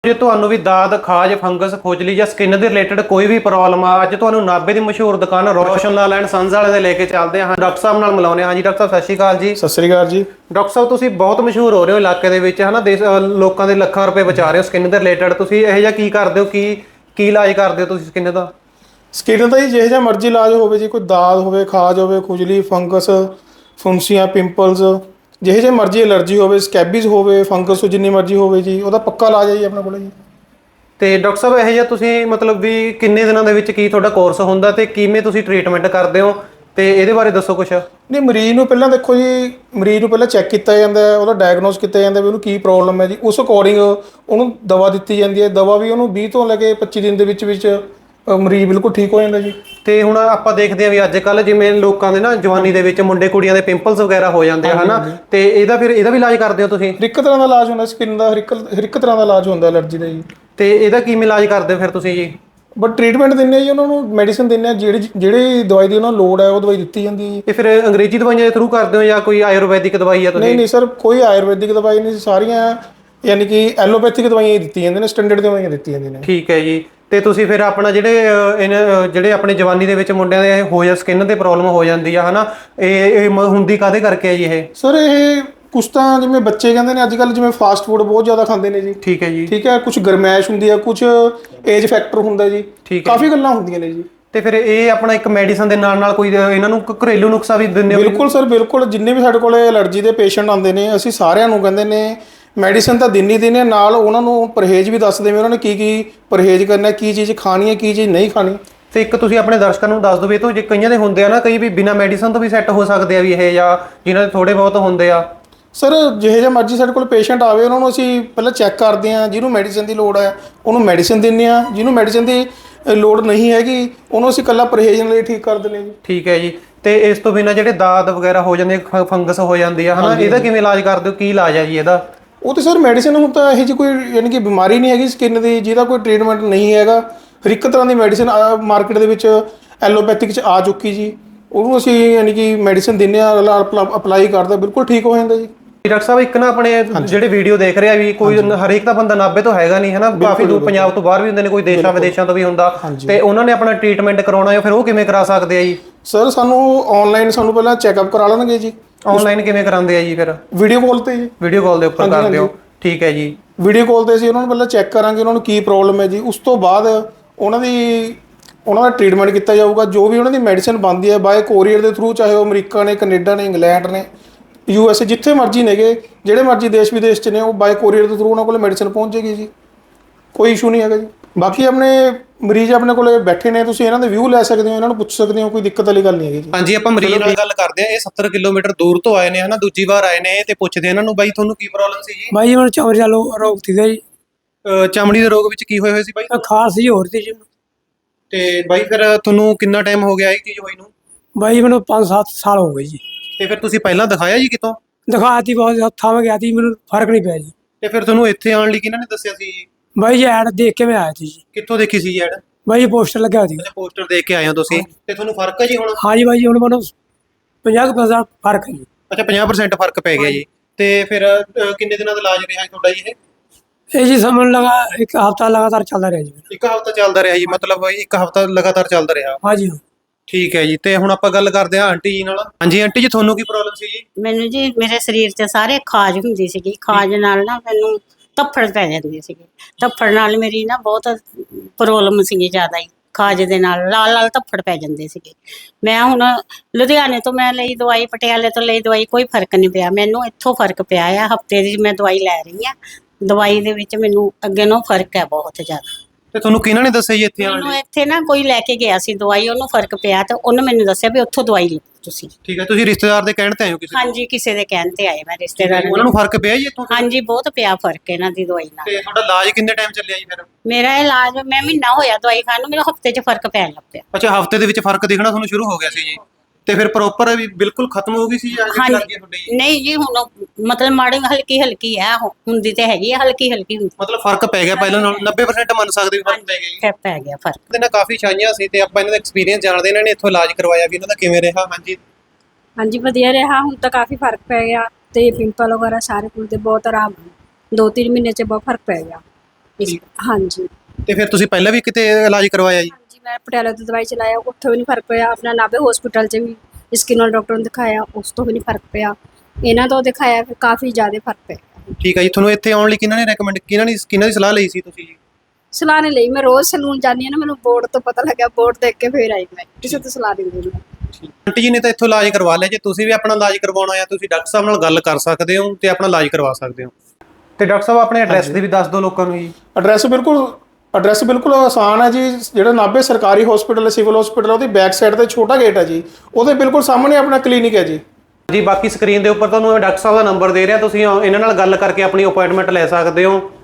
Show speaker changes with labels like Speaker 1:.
Speaker 1: ਜੇ ਤੁਹਾਨੂੰ ਵੀ ਦਾਦ ਖਾਜ ਫੰਗਸ ਖੋਜਲੀ ਜਾਂ ਸਕਿਨ ਦੇ ਰਿਲੇਟਡ ਕੋਈ ਵੀ ਪ੍ਰੋਬਲਮ ਆ, ਅੱਜ ਤੁਹਾਨੂੰ ਨਾਭੇ ਦੀ ਮਸ਼ਹੂਰ ਦੁਕਾਨ ਰੋਸ਼ਨ ਲਾਲ ਐਂਡ ਸੰਸ ਵਾਲੇ ਦੇ ਲੈ ਕੇ ਚੱਲਦੇ ਹਾਂ। ਡਾਕਟਰ ਸਾਹਿਬ ਨਾਲ ਮਿਲਾਉਂਦੇ ਹਾਂ ਜੀ। ਡਾਕਟਰ ਸਾਹਿਬ ਸਤਿ ਸ਼੍ਰੀ ਅਕਾਲ ਜੀ।
Speaker 2: ਸਤਿ ਸ੍ਰੀ ਅਕਾਲ ਜੀ।
Speaker 1: ਡਾਕਟਰ ਸਾਹਿਬ ਤੁਸੀਂ ਬਹੁਤ ਮਸ਼ਹੂਰ ਹੋ ਰਹੇ ਹੋ ਇਲਾਕੇ ਦੇ ਵਿੱਚ, ਹਨਾ। ਲੋਕਾਂ ਦੇ ਲੱਖਾਂ ਰੁਪਏ ਬਚਾ ਰਹੇ ਹੋ ਸਕਿਨ ਦੇ ਰਿਲੇਟਡ। ਤੁਸੀਂ ਇਹੋ ਜਿਹਾ ਕੀ ਕਰਦੇ ਹੋ, ਕੀ ਇਲਾਜ ਕਰਦੇ ਹੋ ਤੁਸੀਂ ਸਕਿਨ ਦਾ?
Speaker 2: ਸਕਿਨ ਦਾ ਜੀ ਜਿਹੋ ਜਿਹਾ ਮਰਜ਼ੀ ਇਲਾਜ ਹੋਵੇ ਜੀ, ਕੋਈ ਦਾਗ ਹੋਵੇ, ਖਾਜ ਹੋਵੇ, ਖੁਜਲੀ, ਫੰਗਸ, ਫੁੰਸੀਆਂ, ਪਿੰਪਲਸ, ਜਿਹੋ ਜਿਹੇ ਮਰਜ਼ੀ ਐਲਰਜੀ ਹੋਵੇ, ਸਕੈਬੀਜ਼ ਹੋਵੇ, ਫੰਗਸ ਜਿੰਨੀ ਮਰਜ਼ੀ ਹੋਵੇ ਜੀ, ਉਹਦਾ ਪੱਕਾ ਇਲਾਜ ਹੈ ਜੀ ਆਪਣੇ ਕੋਲ ਜੀ।
Speaker 1: ਤੇ ਡਾਕਟਰ ਸਾਹਿਬ ਇਹੋ ਜਿਹਾ ਤੁਸੀਂ ਮਤਲਬ ਵੀ ਕਿੰਨੇ ਦਿਨਾਂ ਦੇ ਵਿੱਚ ਕੀ ਤੁਹਾਡਾ ਕੋਰਸ ਹੁੰਦਾ ਤੇ ਕਿਵੇਂ ਤੁਸੀਂ ਟ੍ਰੀਟਮੈਂਟ ਕਰਦੇ ਹੋ, ਤੇ ਇਹਦੇ ਬਾਰੇ ਦੱਸੋ ਕੁਛ।
Speaker 2: ਨਹੀਂ, ਮਰੀਜ਼ ਨੂੰ ਪਹਿਲਾਂ ਦੇਖੋ ਜੀ, ਮਰੀਜ਼ ਨੂੰ ਪਹਿਲਾਂ ਚੈੱਕ ਕੀਤਾ ਜਾਂਦਾ ਹੈ, ਉਹਦਾ ਡਾਇਗਨੋਸ ਕੀਤਾ ਜਾਂਦਾ ਵੀ ਉਹਨੂੰ ਕੀ ਪ੍ਰੋਬਲਮ ਹੈ ਜੀ। ਉਸ ਅਕੋਰਡਿੰਗ ਉਹਨੂੰ ਦਵਾ ਦਿੱਤੀ ਜਾਂਦੀ ਹੈ। ਦਵਾ ਵੀ ਉਹਨੂੰ 20 ਤੋਂ ਲੈ ਕੇ 25 ਦਿਨ ਦੇ ਵਿੱਚ ਮਰੀਜ਼ ਬਿਲਕੁਲ ਠੀਕ ਹੋ ਜਾਂਦਾ ਜੀ।
Speaker 1: ਤੇ ਹੁਣ ਆਪਾਂ ਦੇਖਦੇ ਹਾਂ ਵੀ ਅੱਜ ਕੱਲ ਜਿਵੇਂ ਲੋਕਾਂ ਦੇ ਨਾ ਜਵਾਨੀ ਦੇ ਵਿੱਚ ਮੁੰਡੇ ਕੁੜੀਆਂ ਦੇ ਪਿੰਪਲਸ ਵਗੈਰਾ ਹੋ ਜਾਂਦੇ ਆ, ਹਨਾ। ਤੇ ਇਹਦਾ ਵੀ ਇਲਾਜ ਕਰਦੇ ਹੋ ਤੁਸੀਂ?
Speaker 2: ਹਰ ਇੱਕ ਤਰ੍ਹਾਂ ਦਾ ਇਲਾਜ ਹੁੰਦਾ ਸਕਿਨ ਦਾ, ਹਰ ਇੱਕ ਤਰ੍ਹਾਂ ਦਾ ਇਲਾਜ ਹੁੰਦਾ ਐਲਰਜੀ ਦਾ ਜੀ।
Speaker 1: ਤੇ ਇਹਦਾ ਕਿਵੇਂ ਇਲਾਜ ਕਰਦੇ ਹੋ ਫਿਰ ਤੁਸੀਂ ਜੀ?
Speaker 2: ਬਟ ਟ੍ਰੀਟਮੈਂਟ ਦਿੰਦੇ ਆ ਜੀ, ਉਹਨਾਂ ਨੂੰ ਮੈਡੀਸਿਨ ਦਿੰਦੇ ਆ, ਜਿਹੜੀ ਦਵਾਈ ਦੀ ਉਹਨਾਂ ਨੂੰ ਲੋੜ ਹੈ ਉਹ ਦਵਾਈ ਦਿੱਤੀ ਜਾਂਦੀ ਹੈ ਜੀ।
Speaker 1: ਇਹ ਫਿਰ ਅੰਗਰੇਜ਼ੀ ਦਵਾਈਆਂ ਦੇ ਥਰੂ ਕਰਦੇ ਹੋ ਜਾਂ ਕੋਈ ਆਯੁਰਵੈਦਿਕ ਦਵਾਈ ਆ ਤੁਸੀਂ?
Speaker 2: ਨਹੀਂ ਸਰ, ਕੋਈ ਆਯੁਰਵੈਦਿਕ ਦਵਾਈ ਨਹੀਂ, ਸਾਰੀਆਂ ਯਾਨੀ ਕਿ ਐਲੋਪੈਥਿਕ ਦਵਾਈਆਂ ਹੀ ਦਿੱਤੀਆਂ ਜਾਂਦੀਆਂ ਨੇ, ਸਟੈਂਡਰਡ ਦਵਾਈਆਂ ਦਿੱਤੀਆਂ ਜਾਂਦੀਆਂ ਨੇ।
Speaker 1: ਠੀਕ ਹੈ ਜੀ। ਤੇ ਤੁਸੀਂ ਫਿਰ ਆਪਣਾ ਜਿਹੜੇ ਆਪਣੇ ਜਵਾਨੀ ਦੇ ਵਿੱਚ ਮੁੰਡਿਆਂ ਦੇ ਹੋ ਜਾਂ ਸਕਿਨ ਤੇ ਪ੍ਰੋਬਲਮ ਹੋ ਜਾਂਦੀ ਆ, ਹਨਾ, ਇਹ ਹੁੰਦੀ ਕਾਹਦੇ ਕਰਕੇ ਹੈ ਜੀ ਇਹ?
Speaker 2: ਸਰ ਇਹ ਕੁਛ ਤਾਂ ਜਿਵੇਂ ਬੱਚੇ ਕਹਿੰਦੇ ਨੇ ਅੱਜ ਕੱਲ੍ਹ, ਜਿਵੇਂ ਫਾਸਟ ਫੂਡ ਬਹੁਤ ਜ਼ਿਆਦਾ ਖਾਂਦੇ ਨੇ ਜੀ।
Speaker 1: ਠੀਕ ਹੈ ਜੀ।
Speaker 2: ਠੀਕ ਹੈ, ਕੁਛ ਗਰਮੈਸ਼ ਹੁੰਦੀ ਹੈ, ਕੁਛ ਏਜ ਫੈਕਟਰ ਹੁੰਦਾ ਜੀ।
Speaker 1: ਠੀਕ ਹੈ।
Speaker 2: ਕਾਫੀ ਗੱਲਾਂ ਹੁੰਦੀਆਂ ਨੇ ਜੀ।
Speaker 1: ਤੇ ਫਿਰ ਇਹ ਆਪਣਾ ਇੱਕ ਮੈਡੀਸਨ ਦੇ ਨਾਲ ਨਾਲ ਕੋਈ ਇਹਨਾਂ ਨੂੰ ਘਰੇਲੂ ਨੁਸਖਾ ਵੀ ਦਿੰਦੇ ਹੋ?
Speaker 2: ਬਿਲਕੁਲ ਸਰ, ਬਿਲਕੁਲ। ਜਿੰਨੇ ਵੀ ਸਾਡੇ ਕੋਲ ਐਲਰਜੀ ਦੇ ਪੇਸ਼ੈਂਟ ਆਉਂਦੇ ਨੇ, ਅਸੀਂ ਸਾਰਿਆਂ ਨੂੰ ਕਹਿੰਦੇ ਨੇ ਮੈਡੀਸਨ ਤਾਂ ਦਿੰਦੇ ਆ, ਨਾਲ ਉਹਨਾਂ ਨੂੰ ਪਰਹੇਜ਼ ਵੀ ਦੱਸਦੇ ਨੇ, ਉਹਨਾਂ ਨੇ ਕੀ ਪਰਹੇਜ਼ ਕਰਨਾ, ਕੀ ਚੀਜ਼ ਖਾਣੀ ਹੈ, ਕੀ ਚੀਜ਼ ਨਹੀਂ ਖਾਣੀ।
Speaker 1: ਤੇ ਇੱਕ ਤੁਸੀਂ ਆਪਣੇ ਦਰਸ਼ਕਾਂ ਨੂੰ ਦੱਸ ਦਿਓ ਵੀ ਇਹ ਤੋਂ ਜੇ ਕਈਆਂ ਦੇ ਹੁੰਦੇ ਆ ਨਾ, ਕਈ ਵੀ ਬਿਨਾਂ ਮੈਡੀਸਨ ਤੋਂ ਵੀ ਸੈੱਟ ਹੋ ਸਕਦੇ ਆ ਵੀ ਇਹ, ਜਾਂ ਜਿਨ੍ਹਾਂ ਦੇ ਥੋੜੇ ਬਹੁਤ ਹੁੰਦੇ ਆ।
Speaker 2: ਸਰ ਜਿਹੋ ਜਿਹਾ ਮਰਜ਼ੀ ਸਾਡੇ ਕੋਲ ਪੇਸ਼ੈਂਟ ਆਵੇ, ਉਹਨਾਂ ਨੂੰ ਅਸੀਂ ਪਹਿਲਾਂ ਚੈੱਕ ਕਰਦੇ ਹਾਂ। ਜਿਹਨੂੰ ਮੈਡੀਸਨ ਦੀ ਲੋੜ ਹੈ ਉਹਨੂੰ ਮੈਡੀਸਨ ਦਿੰਦੇ ਹਾਂ, ਜਿਹਨੂੰ ਮੈਡੀਸਨ ਦੀ ਲੋੜ ਨਹੀਂ ਹੈਗੀ ਉਹਨੂੰ ਅਸੀਂ ਇਕੱਲਾ ਪਰਹੇਜ਼ ਨਾਲ ਹੀ ਠੀਕ ਕਰ ਦਿੰਦੇ ਜੀ।
Speaker 1: ਠੀਕ ਹੈ ਜੀ। ਤੇ ਇਸ ਤੋਂ ਬਿਨਾਂ ਜਿਹੜੇ ਦਾਦ ਵਗੈਰਾ ਹੋ ਜਾਂਦੇ, ਫੰਗਸ ਹੋ ਜਾਂਦੀ ਆ, ਹਨਾ, ਇਹਦਾ ਕਿਵੇਂ ਇਲਾਜ ਕਰਦੇ ਹੋ? ਕੀ ਇਲਾਜ ਹੈ ਜੀ ਇਹਦਾ?
Speaker 2: ਉਹ ਤਾਂ ਸਰ ਮੈਡੀਸਨ ਹੁਣ ਤਾਂ ਇਹੋ ਜਿਹੀ ਕੋਈ ਯਾਨੀ ਕਿ ਬਿਮਾਰੀ ਨਹੀਂ ਹੈਗੀ ਸਕਿਨ ਦੀ ਜਿਹਦਾ ਕੋਈ ਟ੍ਰੀਟਮੈਂਟ ਨਹੀਂ ਹੈਗਾ। ਹਰ ਇੱਕ ਤਰ੍ਹਾਂ ਦੀ ਮੈਡੀਸਨ ਮਾਰਕੀਟ ਦੇ ਵਿੱਚ ਐਲੋਪੈਥਿਕ 'ਚ ਆ ਚੁੱਕੀ ਜੀ। ਉਹਨੂੰ ਅਸੀਂ ਯਾਨੀ ਕਿ ਮੈਡੀਸਨ ਦਿੰਦੇ ਹਾਂ, ਅਪਲਾਈ ਕਰਦਾ, ਬਿਲਕੁਲ ਠੀਕ ਹੋ ਜਾਂਦਾ ਜੀ।
Speaker 1: ਡਾਕਟਰ ਸਾਹਿਬ ਇੱਕ ਨਾ ਆਪਣੇ ਜਿਹੜੇ ਵੀਡੀਓ ਦੇਖ ਰਿਹਾ ਵੀ ਕੋਈ ਹਰੇਕ ਤਾਂ ਬੰਦਾ ਨਾਭੇ ਤੋਂ ਹੈਗਾ ਨਹੀਂ, ਹਨਾ। ਕਾਫੀ ਦੂਰ ਪੰਜਾਬ ਤੋਂ ਬਾਹਰ ਵੀ ਹੁੰਦੇ ਨੇ, ਕੋਈ ਦੇਸ਼ਾਂ ਵਿਦੇਸ਼ਾਂ ਤੋਂ ਵੀ ਹੁੰਦਾ, ਤੇ ਉਹਨਾਂ ਨੇ ਆਪਣਾ ਟ੍ਰੀਟਮੈਂਟ ਕਰਾਉਣਾ ਹੈ, ਫਿਰ ਉਹ ਕਿਵੇਂ ਕਰਾ ਸਕਦੇ ਆ ਜੀ?
Speaker 2: ਸਰ ਸਾਨੂੰ ਆਨਲਾਈਨ ਸਾਨੂੰ ਪਹਿਲਾਂ ਚੈੱਕਅਪ ਕਰਾ ਲੈਣਗੇ ਜੀ।
Speaker 1: ਆਨਲਾਈਨ ਕਿਵੇਂ ਕਰਾਉਂਦੇ ਆ ਜੀ ਫਿਰ?
Speaker 2: ਵੀਡੀਓ ਕਾਲ ਤੇ ਜੀ।
Speaker 1: ਵੀਡੀਓ ਕਾਲ ਦੇ ਉੱਪਰ ਕਰਦੇ ਹੋ? ਠੀਕ ਹੈ ਜੀ।
Speaker 2: ਵੀਡੀਓ ਕਾਲ ਤੇ ਅਸੀਂ ਉਹਨਾਂ ਨੂੰ ਪਹਿਲਾਂ ਚੈੱਕ ਕਰਾਂਗੇ ਉਹਨਾਂ ਨੂੰ ਕੀ ਪ੍ਰੋਬਲਮ ਹੈ ਜੀ। ਉਸ ਤੋਂ ਬਾਅਦ ਉਹਨਾਂ ਦਾ ਟ੍ਰੀਟਮੈਂਟ ਕੀਤਾ ਜਾਊਗਾ। ਜੋ ਵੀ ਉਹਨਾਂ ਦੀ ਮੈਡੀਸਿਨ ਬਣਦੀ ਹੈ ਬਾਏ ਕੋਰੀਅਰ ਦੇ ਥਰੂ, ਚਾਹੇ ਉਹ ਅਮਰੀਕਾ ਨੇ, ਕੈਨੇਡਾ ਨੇ, ਇੰਗਲੈਂਡ ਨੇ, USA, ਜਿੱਥੇ ਮਰਜ਼ੀ ਨੇਗੇ, ਜਿਹੜੇ ਮਰਜ਼ੀ ਦੇਸ਼ ਵਿਦੇਸ਼ 'ਚ ਨੇ, ਉਹ ਬਾਏ ਕੋਰੀਅਰ ਦੇ ਥਰੂ ਉਹਨਾਂ ਕੋਲ ਮੈਡੀਸਿਨ ਪਹੁੰਚ ਜਾਏਗੀ ਜੀ। ਕੋਈ ਇਸ਼ੂ ਨਹੀਂ ਹੈਗਾ ਜੀ। ਬਾਕੀ ਆਪਣੇ ਮਰੀਜ਼ ਆਪਣੇ ਕੋਲ ਬੈਠੇ ਨੇ, ਤੁਸੀਂ ਇਹਨਾਂ ਦੇ ਵਿਊ ਲੈ ਸਕਦੇ ਹੋ, ਇਹਨਾਂ ਨੂੰ ਪੁੱਛ ਸਕਦੇ ਹੋ, ਕੋਈ ਦਿੱਕਤ ਵਾਲੀ ਗੱਲ ਨਹੀਂ ਹੈਗੀ ਜੀ।
Speaker 1: ਹਾਂਜੀ, ਆਪਾਂ ਮਰੀਜ਼ ਨਾਲ ਗੱਲ ਕਰਦੇ ਆ। ਇਹ 70 ਕਿਲੋਮੀਟਰ ਦੂਰ ਤੋਂ ਆਏ ਨੇ, ਹਨਾ, ਦੂਜੀ ਵਾਰ ਆਏ ਨੇ, ਤੇ ਪੁੱਛਦੇ ਇਹਨਾਂ ਨੂੰ, ਬਾਈ ਤੁਹਾਨੂੰ ਕੀ ਪ੍ਰੋਬਲਮ ਸੀ ਜੀ?
Speaker 3: ਬਾਈ ਮੈਨੂੰ ਚਮੜੀ ਦਾ ਰੋਗ ਸੀਗਾ ਜੀ।
Speaker 1: ਚਮੜੀ ਦੇ ਰੋਗ ਵਿੱਚ ਕੀ ਹੋਏ ਸੀ ਬਾਈ?
Speaker 3: ਖਾਸ ਹੀ ਹੋਰ ਸੀ ਜੀ।
Speaker 1: ਤੇ ਬਾਈ ਫਿਰ ਤੁਹਾਨੂੰ ਕਿੰਨਾ ਟਾਈਮ ਹੋ ਗਿਆ ਇਹ ਚੀਜ਼ ਹੋਈ ਨੂੰ?
Speaker 3: ਬਾਈ ਮੈਨੂੰ 5-7 ਸਾਲ ਹੋ ਗਏ ਜੀ।
Speaker 1: ਤੇ ਫਿਰ ਤੁਸੀਂ ਪਹਿਲਾਂ ਦਿਖਾਇਆ ਜੀ ਕਿਤੋਂ?
Speaker 3: ਦਿਖਾਤੀ ਬਹੁਤ ਥਾਂ ਗਿਆ ਸੀ, ਮੈਨੂੰ ਫਰਕ ਨਹੀਂ ਪਿਆ ਜੀ।
Speaker 1: ਤੇ ਫਿਰ ਤੁਹਾਨੂੰ ਇੱਥੇ ਆਉਣ ਲਈ ਕਿਹਨਾਂ ਨੇ ਦੱਸਿਆ ਸੀ ਜੀ?
Speaker 3: ਬਾਈ ਜੀ ਐਡ ਦੇਖ ਕੇ ਮੈਂ ਆਇਆ ਸੀ ਜੀ।
Speaker 1: ਕਿੱਥੋਂ ਦੇਖੀ ਸੀ ਐਡ?
Speaker 3: ਬਾਈ ਪੋਸਟਰ ਲੱਗਿਆ ਹੋਇਆ ਸੀ।
Speaker 1: ਅੱਛਾ, ਪੋਸਟਰ ਦੇਖ ਕੇ ਆਏ ਹੋ ਤੁਸੀਂ। ਤੇ ਤੁਹਾਨੂੰ ਫਰਕ ਹੈ ਜੀ ਹੁਣ?
Speaker 3: ਹਾਂ ਜੀ ਬਾਈ ਜੀ, ਹੁਣ ਮੈਨੂੰ 50% ਫਰਕ ਹੈ ਜੀ।
Speaker 1: ਅੱਛਾ, 50% ਫਰਕ ਪੈ ਗਿਆ ਜੀ। ਤੇ ਫਿਰ ਕਿੰਨੇ ਦਿਨਾਂ ਦਾ ਇਲਾਜ ਰਿਹਾ ਤੁਹਾਡਾ ਜੀ ਇਹ?
Speaker 3: ਇਹ ਜੀ ਸਮਝ ਲਗਾ 1 ਹਫ਼ਤਾ ਲਗਾਤਾਰ ਚੱਲਦਾ ਰਿਹਾ ਜੀ।
Speaker 1: 1 ਹਫ਼ਤਾ ਚੱਲਦਾ ਰਿਹਾ ਜੀ? ਮਤਲਬ 1 ਹਫ਼ਤਾ ਲਗਾਤਾਰ ਚੱਲਦਾ ਰਿਹਾ?
Speaker 3: ਹਾਂ ਜੀ।
Speaker 1: ਠੀਕ ਹੈ ਜੀ। ਤੇ ਹੁਣ ਆਪਾਂ ਗੱਲ ਕਰਦੇ ਹਾਂ ਆਂਟੀ ਜੀ ਨਾਲ। ਹਾਂਜੀ ਆਂਟੀ ਜੀ, ਤੁਹਾਨੂੰ ਕੀ ਪ੍ਰੋਬਲਮ ਸੀ ਜੀ?
Speaker 4: ਮੈਨੂੰ ਜੀ ਮੇਰੇ ਸਰੀਰ 'ਚ ਸਾਰੇ ਖਾਜ ਹੁੰਦੀ ਸੀਗੀ। ਖਾਜ ਨਾਲ ਨਾ ਮੈਨੂੰ ਧੱਫੜ ਪੈ ਜਾਂਦੇ ਸੀਗੇ। ਧੱਫੜ ਨਾਲ ਮੇਰੀ ਨਾ ਬਹੁਤ ਪ੍ਰੋਬਲਮ ਸੀਗੀ, ਜ਼ਿਆਦਾ ਹੀ ਖਾਜ ਦੇ ਨਾਲ ਲਾਲ ਧੱਫੜ ਪੈ ਜਾਂਦੇ ਸੀਗੇ। ਮੈਂ ਹੁਣ ਲੁਧਿਆਣੇ ਤੋਂ ਮੈਂ ਲਈ ਦਵਾਈ, ਪਟਿਆਲੇ ਤੋਂ ਲਈ ਦਵਾਈ, ਕੋਈ ਫਰਕ ਨਹੀਂ ਪਿਆ ਮੈਨੂੰ। ਇੱਥੋਂ ਫਰਕ ਪਿਆ ਆ। ਹਫ਼ਤੇ ਦੀ ਮੈਂ ਦਵਾਈ ਲੈ ਰਹੀ ਹਾਂ। ਦਵਾਈ ਦੇ ਵਿੱਚ ਮੈਨੂੰ ਅੱਗੇ ਨਾਲੋਂ ਫਰਕ ਹੈ ਬਹੁਤ ਜ਼ਿਆਦਾ।
Speaker 1: ਤੇ ਤੁਹਾਨੂੰ ਕਿਹਨਾਂ ਨੇ ਦੱਸਿਆ ਜੀ ਇੱਥੇ ਆਉਣ
Speaker 4: ਮੈਨੂੰ
Speaker 1: ਲਈ?
Speaker 4: ਇੱਥੇ ਨਾ ਕੋਈ ਲੈ ਕੇ ਗਿਆ ਸੀ ਦਵਾਈ, ਉਹਨੂੰ ਫਰਕ ਪਿਆ ਤੇ ਉਹਨੇ ਮੈਨੂੰ ਦੱਸਿਆ ਵੀ ਉੱਥੋਂ ਦਵਾਈ ਲਓ ਤੁਸੀਂ।
Speaker 1: ਠੀਕ ਹੈ, ਤੁਸੀਂ ਰਿਸ਼ਤੇਦਾਰ ਦੇ ਕਹਿਣ ਤੇ ਆਏ ਹੋ ਕਿਸੇ?
Speaker 4: ਹਾਂਜੀ, ਕਿਸੇ ਦੇ ਕਹਿਣ ਤੇ ਆਏ ਮੈਂ ਰਿਸ਼ਤੇਦਾਰ।
Speaker 1: ਉਹਨਾਂ ਨੂੰ ਫਰਕ ਪਿਆ ਜੀ ਇੱਥੋਂ?
Speaker 4: ਹਾਂਜੀ, ਬਹੁਤ ਪਿਆ ਫਰਕ ਇਹਨਾਂ ਦੀ ਦਵਾਈ ਨਾਲ।
Speaker 1: ਤੇ ਤੁਹਾਡਾ ਇਲਾਜ ਕਿੰਨੇ ਟਾਈਮ ਚੱਲਿਆ ਜੀ ਫਿਰ?
Speaker 4: ਮੇਰਾ ਇਲਾਜ ਮੈਂ ਮਹੀਨਾ ਹੋਇਆ ਦਵਾਈ ਖਾਣ ਨੂੰ, ਮੈਨੂੰ ਹਫ਼ਤੇ 'ਚ ਫਰਕ ਪੈਣ ਲੱਗ ਪਿਆ।
Speaker 1: ਅੱਛਾ, ਹਫ਼ਤੇ ਦੇ ਵਿੱਚ ਫਰਕ ਦਿਖਣਾ ਤੁਹਾਨੂੰ ਸ਼ੁਰੂ ਹੋ ਗਿਆ ਸੀ ਜੀ? ਤੇ ਫਿਰ ਪ੍ਰੋਪਰ ਵੀ ਬਿਲਕੁਲ ਖਤਮ ਹੋ ਗਈ ਸੀ ਜਾਂ ਲੱਗ ਗਈ ਤੁਹਾਡੀ?
Speaker 4: ਨਹੀਂ ਜੀ, ਹੁਣ ਮਤਲਬ ਮਾੜੀ ਹਲਕੀ ਹੈ, ਹੁੰਦੀ ਤੇ ਹੈਗੀ ਹੈ, ਹਲਕੀ ਹੁੰਦੀ।
Speaker 1: ਮਤਲਬ ਫਰਕ ਪੈ ਗਿਆ ਪਹਿਲਾਂ ਨਾਲੋਂ? 90% ਮੰਨ ਸਕਦੇ ਵੀ ਫਰਕ ਪੈ ਗਿਆ ਜੀ?
Speaker 4: ਫਿਰ ਪੈ ਗਿਆ ਫਰਕ।
Speaker 1: ਇਹਦੇ ਨਾਲ ਕਾਫੀ ਛਾਈਆਂ ਸੀ ਤੇ ਆਪਾਂ ਇਹਨਾਂ ਦਾ ਐਕਸਪੀਰੀਅੰਸ ਜਾਣਦੇ, ਇਹਨਾਂ ਨੇ ਇੱਥੋਂ ਇਲਾਜ ਕਰਵਾਇਆ ਵੀ ਇਹਨਾਂ ਦਾ ਕਿਵੇਂ ਰਿਹਾ। ਹਾਂਜੀ
Speaker 5: ਹਾਂਜੀ, ਵਧੀਆ ਰਿਹਾ। ਹੁਣ ਤਾਂ ਕਾਫੀ ਫਰਕ ਪੈ ਗਿਆ ਤੇ ਪਿੰਪਲ ਵਗੈਰਾ ਸਾਰੇ ਕੁਝ ਦੇ ਬਹੁਤ ਆਰਾਮ, 2-3 ਮਹੀਨੇ 'ਚ ਬਹੁਤ ਫਰਕ ਪੈ ਗਿਆ। ਹਾਂਜੀ
Speaker 1: ਤੇ ਫਿਰ ਤੁਸੀਂ ਪਹਿਲਾਂ ਵੀ ਕਿਤੇ ਇਲਾਜ ਕਰਵਾਇਆ ਜੀ?
Speaker 5: ਹਾਂਜੀ ਮੈਂ ਪਟਿਆਲੇ ਤੋਂ ਦਵਾਈ ਚਲਾਇਆ, ਉੱਥੋਂ ਵੀ ਨਹੀਂ ਫਰਕ ਪਿਆ। ਆਪਣਾ ਨਾਭੇ ਹਸਪੀਟਲ 'ਚ ਵੀ ਸਕਿਨ ਵਾਲੇ ਡਾਕਟਰ ਨੂੰ ਦਿਖਾਇਆ, ਉਸ ਤੋਂ ਵੀ ਨਹੀਂ ਫਰਕ ਪਿਆ। ਇਹਨਾਂ ਤੋਂ ਦਿਖਾਇਆ ਫਿਰ ਕਾਫੀ ਜ਼ਿਆਦਾ ਫਰਕ ਪਿਆ।
Speaker 1: ਠੀਕ ਹੈ ਜੀ। ਤੁਹਾਨੂੰ ਇੱਥੇ ਆਉਣ ਲਈ ਕਿਹਨਾਂ ਨੇ ਰეკਮੈਂਡ, ਕਿਹਨਾਂ ਦੀ ਸਲਾਹ ਲਈ ਸੀ ਤੁਸੀਂ ਜੀ?
Speaker 5: ਸਲਾਹ ਨਹੀਂ ਲਈ, ਮੈਂ ਰੋਜ਼ ਸੈਲੂਨ ਜਾਂਦੀ ਹਾਂ ਨਾ, ਮੈਨੂੰ ਬੋਰਡ ਤੋਂ ਪਤਾ ਲੱਗਿਆ, ਬੋਰਡ ਦੇਖ ਕੇ ਫਿਰ ਆਈ ਮੈਂ, ਕਿਸੇ ਤੋਂ ਸਲਾਹ ਨਹੀਂ ਲਈ ਮੈਂ।
Speaker 1: ਆਂਟੀ ਜੀ ਨੇ ਤਾਂ ਇੱਥੋਂ ਇਲਾਜ ਕਰਵਾ ਲਿਆ, ਜੇ ਤੁਸੀਂ ਵੀ ਆਪਣਾ ਇਲਾਜ ਕਰਵਾਉਣਾ ਆ ਤੁਸੀਂ ਡਾਕਟਰ ਸਾਹਿਬ ਨਾਲ ਗੱਲ ਕਰ ਸਕਦੇ ਹੋ ਤੇ ਆਪਣਾ ਇਲਾਜ ਕਰਵਾ ਸਕਦੇ ਹੋ। ਤੇ ਡਾਕਟਰ ਸਾਹਿਬ ਆਪਣੇ ਐਡਰੈਸ ਦੀ ਵੀ ਦੱਸ ਦਿਓ ਲੋਕਾਂ ਨੂੰ ਜੀ।
Speaker 2: ਐਡਰੈਸ ਬਿਲਕੁਲ ਆਸਾਨ ਹੈ ਜੀ। ਜਿਹੜਾ ਨਾਭੇ ਸਰਕਾਰੀ ਹਸਪੀਟਲ ਹੈ, ਸਿਵਲ ਹਸਪੀਟਲ, ਉਹਦੀ ਬੈਕ ਸਾਈਡ ਤੇ ਛੋਟਾ ਗੇਟ ਹੈ ਜੀ, ਉਹਦੇ ਬਿਲਕੁਲ ਸਾਹਮਣੇ ਆਪਣਾ ਕਲੀਨਿਕ ਹੈ ਜੀ।
Speaker 1: ਜੀ ਬਾਕੀ ਸਕਰੀਨ ਦੇ ਉੱਪਰ ਤੁਹਾਨੂੰ ਡਾਕਟਰ ਸਾਹਿਬ ਦਾ ਨੰਬਰ ਦੇ ਰਿਹਾ, ਤੁਸੀਂ ਇਹਨਾਂ ਨਾਲ ਗੱਲ ਕਰਕੇ ਆਪਣੀ ਅਪਾਇੰਟਮੈਂਟ ਲੈ ਸਕਦੇ ਹੋ।